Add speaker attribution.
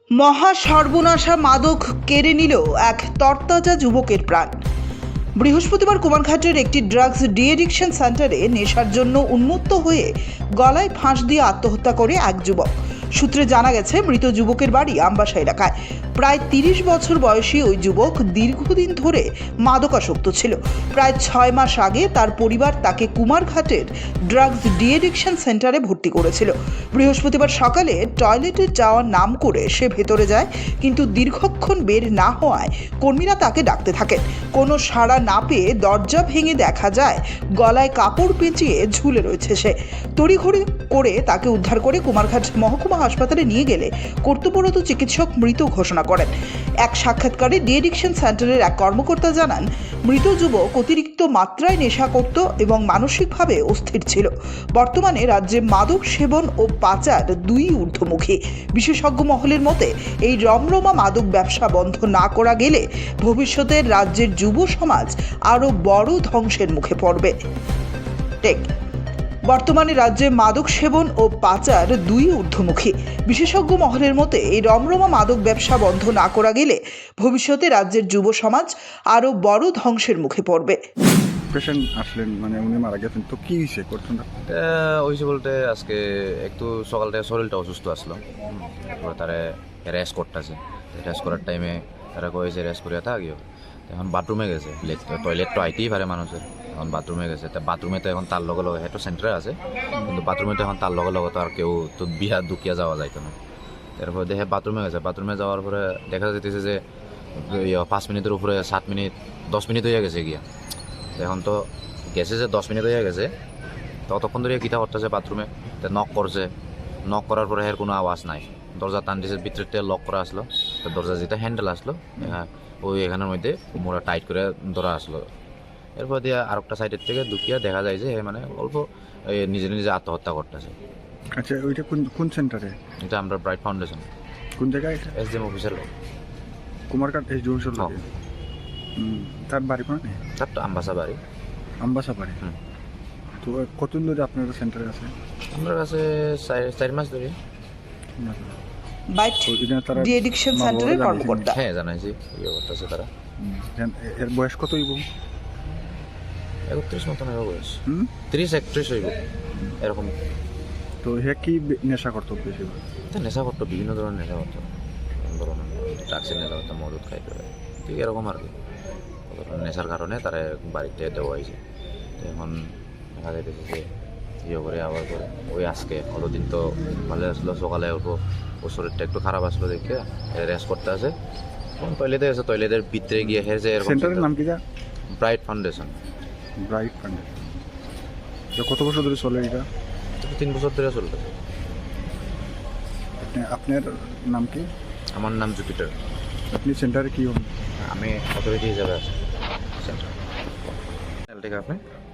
Speaker 1: মহা সর্বনাশা মাদক কেড়ে নিল এক তরতাজা যুবকের প্রাণ। বৃহস্পতিবার কুমারঘাটের একটি ড্রাগস ডিএডিকশন সেন্টারে নেশার জন্য উন্মত্ত হয়ে গলায় ফাঁস দিয়ে আত্মহত্যা করে এক যুবক। সূত্রে জানা গেছে, মৃত যুবকের বাড়ি আমবাসা এলাকায়। প্রায় 30 বছর বয়সী ওই যুবক দীর্ঘদিন ধরে মাদকাসক্ত ছিল। প্রায় 6 মাস আগে তার পরিবার তাকে কুমারঘাটের ড্রাগস ডিএডিকশন সেন্টারে ভর্তি করেছিল। বৃহস্পতিবার সকালে টয়লেটে যাওয়ার নাম করে সে ভেতরে যায়, কিন্তু দীর্ঘক্ষণ বের না হওয়ায় কর্মীরা তাকে ডাকতে থাকেন। কোনো সাড়া না পেয়ে দরজা ভেঙে দেখা যায় গলায় কাপড় পেঁচিয়ে ঝুলে রয়েছে সে। তড়িঘড়ি করে তাকে উদ্ধার করে কুমারঘাট মহকুমা হাসপাতালে নিয়ে গেলে কর্তব্যরত চিকিৎসক মৃত ঘোষণা করেন। এক সাক্ষাৎকারে ডিএডিকশন সেন্টারের এক কর্মকর্তা জানান, মৃত যুবক অতিরিক্ত মাত্রায় নেশা করত এবং মানসিকভাবে অস্থির ছিল। বর্তমানে রাজ্যে মাদক সেবন ও পাচার দুই ঊর্ধ্বমুখী। বিশেষজ্ঞ মহলের মতে, এই রমরমা মাদক ব্যবসা বন্ধ না করা গেলে ভবিষ্যতে রাজ্যের যুব সমাজ আরও বড় ধ্বংসের মুখে পড়বে। বর্তমানে রাজ্যে মাদক সেবন ও পাচার দুই ঊর্ধ্বমুখী। বিশেষজ্ঞ মহলের মতে, এই রমরমা মাদক ব্যবসা বন্ধ না করা গেলে ভবিষ্যতে রাজ্যের যুব সমাজ আরও বড় ধ্বংসের মুখে পড়বে।
Speaker 2: পেশেন্ট আসলেন, মানে উনি মারা গেছেন, তো কি হয়েছে ঘটনাটা?
Speaker 3: হয়েছে বলতে আজকে একটু সকাল থেকে শরীরটা অসুস্থ আসলো। তারপরে তারা রেস্ট করতেছে। রেস্ট করার টাইমে তারা কয়েছে রেস্ট করিয়া থাকিও। এখন বাথরুমে গেছে, টয়লেট তো আইতেই পারে মানুষের। এখন বাথরুমে গেছে, তা বাথরুমে তো এখন তার লগে লগে হেটো সেন্টারে আছে, কিন্তু বাথরুমে তো এখন তার লগে লগে তো আর কেউ তো বিহা দুকিয়া যাওয়া যাইতো না। তারপরে দেখে বাথরুমে গেছে। বাথরুমে যাওয়ার পরে দেখা যেতেছে যে 5 মিনিটের উপরে 7 মিনিট 10 মিনিট হয়ে গেছে গিয়া। এখন তো গেছে যে 10 মিনিট হয়ে গেছে, ততক্ষণ ধরে কিতা করতেছে বাথরুমে। নক করছে, নক করার পরে এর কোনো আওয়াজ নাই। দরজা টান দিয়েছে, ভিতরে লক করা আসলো। তো দরজা যেটা হ্যান্ডেল আসলো, ওই এখানের মধ্যে মোড়া টাইট করে ধরা আসলো। এরপর দিয়ে আরেকটা সাইডের থেকে ঢুকিয়া দেখা যায় যে মানে অল্প নিজে নিজে আত্মহত্যা করতেছে।
Speaker 2: আচ্ছা, ওইটা কোন সেন্টারে?
Speaker 3: এটা আমরা ব্রাইট ফাউন্ডেশন।
Speaker 2: কোন জায়গায় এটা?
Speaker 3: এসডিএম অফিসের
Speaker 2: কুমারঘাট এই জোরসোর লাগে। তার বাড়ি কোন?
Speaker 3: তার তো আমবাসা বাড়ি।
Speaker 2: আমবাসা বাড়ি। তো কতদিন ধরে আপনার সেন্টারে আছে?
Speaker 3: আমার কাছে 4 মাস ধরে।
Speaker 1: বাইট ডিএডিকশন সেন্টারের কর্মকর্তা।
Speaker 3: হ্যাঁ, জানাইছি ইয়ে করতেছে তারা।
Speaker 2: এর বয়স কত হইব?
Speaker 3: 31 মতন হবে বয়স। 30-31 হইব এরকম।
Speaker 2: তো হে কি নেশা করতো বেশি?
Speaker 3: নেশা করতো, বিভিন্ন ধরনের নেশা করতো। ধরুন ড্রাগসের নেশা করতো, মদত খাইতো, ঠিক এরকম আর কি। নেশার কারণে তারা বাড়িতে দেওয়া হয়েছে। এখন দেখা যাইতেছে যে ইয়ে করে আবার করে ওই আজকে দিন তো ভালো আসলো, সকালে উঠবো, ওর শরীরটা একটু খারাপ আসলো দেখে রেস্ট করতে আছে। টয়লেটে আছে, টয়লেটের ভিতরে গিয়ে হেরে যায়।
Speaker 2: সেন্টারের নাম কি?
Speaker 3: Bright foundation.
Speaker 2: Bright foundation. কত বছর ধরে চলে এটা?
Speaker 3: 3 বছর ধরে চলতেছে।
Speaker 2: আপনার নাম কি?
Speaker 3: আমার নাম জুপিটার।
Speaker 2: আপনি সেন্টারে কি হন?
Speaker 3: আমি অথরিটি হিসাবে আছি সেন্টার। ঠিক আপনি